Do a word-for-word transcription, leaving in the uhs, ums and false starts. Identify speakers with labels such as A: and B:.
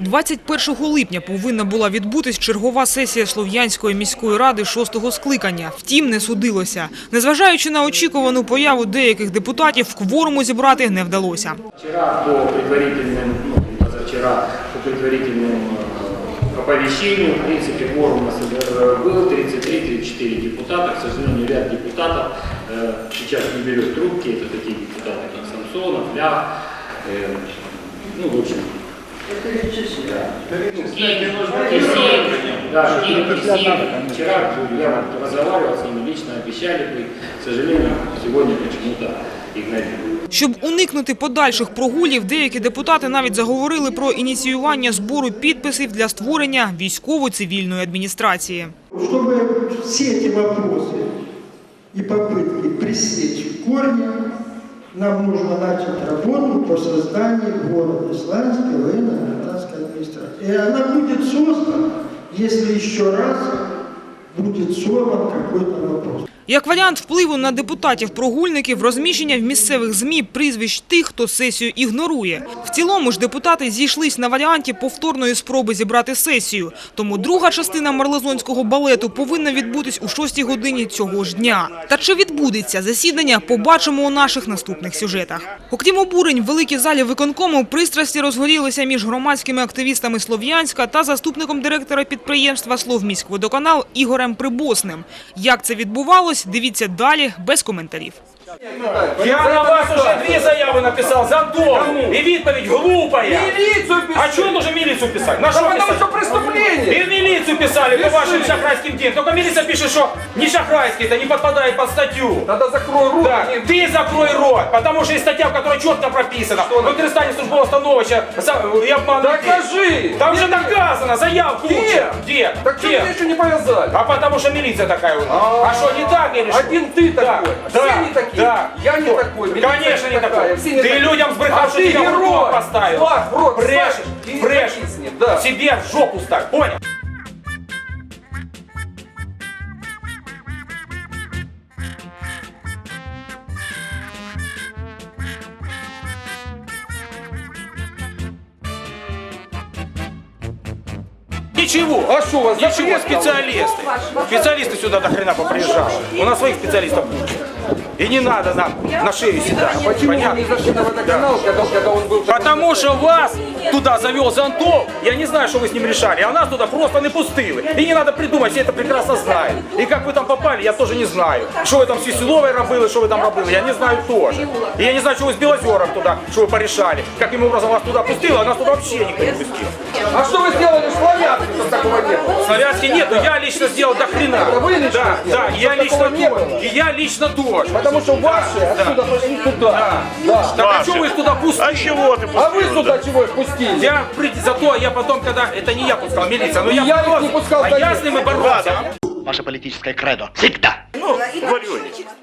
A: двадцять першого липня повинна була відбутись чергова сесія Слов'янської міської ради шостого скликання. Втім, не судилося. Незважаючи на очікувану появу деяких депутатів, кворуму зібрати не вдалося.
B: Вчора по предварительним, ну, позавчора по предварительним оповещению, в принципе, кворум у нас был тридцать три — тридцать четыре депутата. К сожалению, ряд депутатов э, сейчас не берет трубки. Это такие депутаты, как Самсонов, Лях, э, ну, в общем, да, вчера я разговаривал с ними, лично обещали бы, к сожалению, сегодня почему-то игнорируют.
A: Щоб уникнути подальших прогулів, деякі депутати навіть заговорили про ініціювання збору підписів для створення військово-цивільної адміністрації.
C: Щоб всі ці питання і попытки пресечь в корні, нам нужно начать работу по созданию города Славянской военно-гражданской администрации. И она будет создана, если еще раз будет сорван какой-то вопрос.
A: Як варіант впливу на депутатів-прогульників – розміщення в місцевих ЗМІ прізвищ тих, хто сесію ігнорує. В цілому ж депутати зійшлись на варіанті повторної спроби зібрати сесію. Тому друга частина марлезонського балету повинна відбутись у шостій годині цього ж дня. Та чи відбудеться засідання, побачимо у наших наступних сюжетах. Окрім обурень, в великій залі виконкому пристрасті розгорілися між громадськими активістами Слов'янська та заступником директора підприємства «Словміськводоканал» Ігорем Прибосним. Як це відбувалося? Дивіться далі, без коментарів.
D: Я на вас уже две заявы написал за дом. И відповідь глупая.
E: Милицию писали.
D: А что нужно милицию писать? На
E: Да
D: что
E: потому
D: писать?
E: что преступление.
D: И в милицию писали по вашим шахрайским делам. Только милиция пишет, что не шахрайский, это не подпадает под статью.
E: Тогда закрой рот.
D: Да. Ты закрой рот, потому что есть статья, в которой четко прописано. Використання службового становища и обман.
E: Докажи.
D: Там же доказано, заявку.
E: Где?
D: Где?
E: Так что
D: Где?
E: меня еще не повязали?
D: А потому что милиция такая у нас. А что, не так или что?
E: Один ты
D: Да.
E: такой.
D: Да.
E: Все не такие.
D: Да.
E: Я не такой. Милиция
D: Конечно не
E: такая.
D: такой.
E: Все не
D: Ты
E: такие.
D: людям сбрехал,
E: А
D: что
E: ты
D: тебя в
E: герой.
D: рот поставил.
E: Флаг в рот
D: Брешешь,
E: ставь и
D: брешешь.
E: зависни, да.
D: Себе в жопу ставь, понял? Ничего.
E: А что у вас?
D: Ничего,
E: запрет
D: специалисты. Специалисты сюда до хрена поприезжали. У нас своих специалистов куча. И не надо нам на шею седать.
E: Почему
D: Понятно?
E: не зашли на водоканал, когда, когда он был...
D: Потому что вас туда завел Зонтов, я не знаю, что вы с ним решали, а нас туда просто не пустили. И не надо придумать, все это прекрасно знают. И как вы там попали, я тоже не знаю. Что вы там с Веселовой робили, что вы там робили, я не знаю тоже. И я не знаю, что вы с Белозером туда, что вы порешали. Каким образом вас туда пустило, а нас туда вообще никто не пустил.
E: А что вы сделали в Славянске, что такого не было?
D: Славянский нет, но я лично сделал до хрена.
E: Это вы лично
D: Да, да,
E: сделали?
D: я
E: Что
D: лично
E: такого не
D: тоже.
E: было?
D: И я лично тоже.
E: Потому что ваши отсюда пошли туда. Да.
D: Так а что вы их туда пустили?
F: А чего ты
E: А вы
F: пустил?
E: сюда чего их пустили?
D: Я, при- зато я потом, когда, это не я пускал, милиция, но
E: И
D: я,
E: я их
D: боролся,
E: не пускал,
D: а
E: да
D: я
E: нет.
D: с ними боролся.
F: Ваше политическое кредо. Всегда. Ну, говорю.